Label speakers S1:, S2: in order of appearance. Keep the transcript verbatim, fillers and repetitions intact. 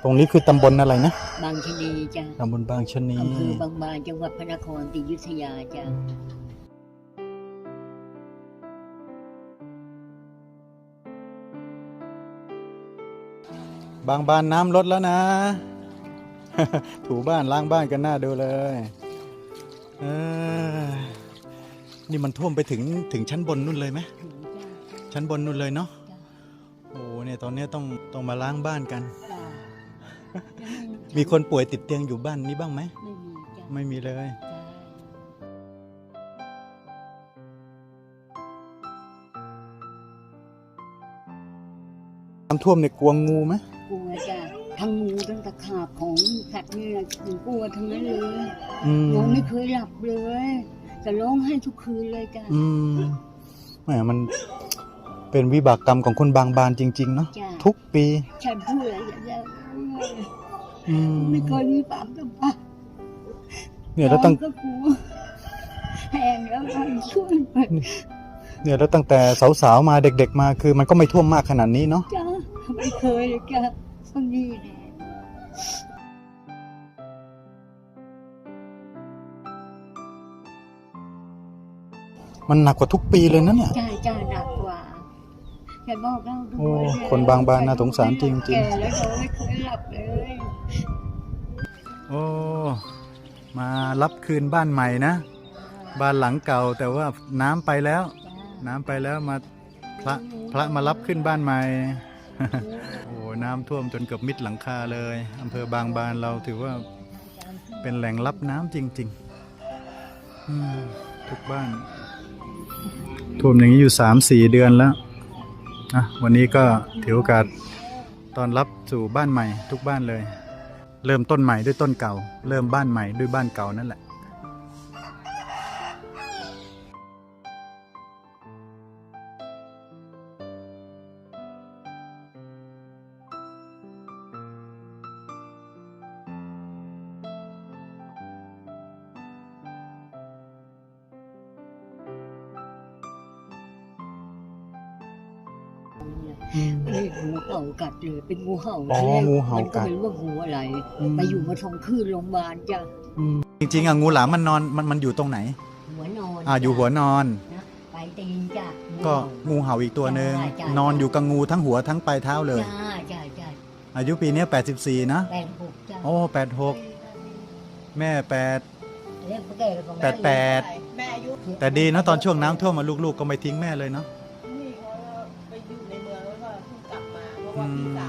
S1: ตรงนี้คือตำบลอะไรนะ
S2: บางชะนีจ้ะ
S1: ตำบลบางชะนี
S2: อำเภอบางบานจังหวัดพระนครศรีอยุธยาจ้ะ
S1: บางบานน้ำลดแล้วนะ ถูบ้านล้างบ้านกันหน้าดูเลยเออนี่มันท่วมไปถึงถึงชั้นบนนู่นเลยไหม
S2: ถึงจ้ะ
S1: ชั้นบนนู่นเลยเนาะ
S2: จ้ะ
S1: โอ้เนี่ยตอนนี้ต้องต้องมาล้างบ้านกัน
S2: จ้ะ
S1: มีคนป่วยติดเตียงอยู่บ้านนี้บ้างไหม
S2: ไม่มีจ้ะ
S1: ไม่มีเลย
S2: จ้ะ
S1: น้ำท่วมเนี่ยกลัวงูไหม
S2: กลัวจ้ะทั้งงูทั้งตะขาบของสัตว์นี่นะหนูกลัวทั้งนั้นเลยน้องไม่เคยหลับเลยจะร้องไห้ทุกคืนเลยจ้ะ
S1: อืมแหมมันเป็นวิบากกรรมของคนบางบานจริงๆเนาะทุกปี
S2: ฉันพูดอะไรอย่างเงี้ยไม่เคยมีความสัมพันธ์
S1: เนี่ยแล้วตั้ง
S2: ก็กลัวแหงแล้วมันช่วย
S1: เนี่ยแล้วตั้งแต่สาวๆมาเด็กๆมาคือมันก็ไม่ท่วมมากขนาดนี้เนาะ
S2: จ้าไม่เคยเลยจ้ะตรงนี้แหละ
S1: มันหนักกว่าทุกปีเลยนะเนี่ย
S2: ใช่จ้าหนักกว่าแค่บอกเล่าดู
S1: โอ้คนบางบานน่าสงสารจริงๆ
S2: แก่แล้วเราไม่เคยหลับเลย
S1: โอ้มารับคืนบ้านใหม่นะบ้านหลังเก่าแต่ว่าน้ำไปแล้วน้ำไปแล้วมาพระพระมารับขึ้นบ้านใหม่ โอ้น้ำท่วมจนเกือบมิดหลังคาเลยอำเภอบางบานเราถือว่าเป็นแหล่งรับน้ำจริงๆทุกบ้านท่วมอย่างนี้อยู่สามสี่เดือนแล้วนะวันนี้ก็ถือโอกาสตอนรับสู่บ้านใหม่ทุกบ้านเลยเริ่มต้นใหม่ด้วยต้นเก่าเริ่มบ้านใหม่ด้วยบ้านเก่านั่นแหละ
S2: นี่งูเห่ากัดเลยเป็นงูเห่า
S1: อ๋องูเห่ากัด
S2: มันก็ไม่รู้ว่างูอะไรไปอยู่มาทองคืนโรงพยาบาลจ้ะ
S1: จริงๆอ่ะงูหลามมันนอนมันมันอยู่ตรงไหน
S2: หัวนอน
S1: อ่าอยู่หัวนอน
S2: นะปลายตีนจ้ะ
S1: ก็งูเห่าอีกตัวหนึ่งนอนอยู่กับงูทั้งหัวทั้งปลายเท้าเลย
S2: จ้าจ้าจ้า
S1: อายุปีนี้แปดสิบสี่นะ
S2: แปดหกจ้ะ
S1: โอ้แปดหกแม่แปดแปดแปดแต่ดีนะตอนช่วงน้ำท่วมมาลูกๆก็ไม่ทิ้งแม่เลยเนาะ
S3: นี่เขาไปอยู่ในเมืองแล้วก็เพิ่งกลับมาเพราะว่าพี่สาว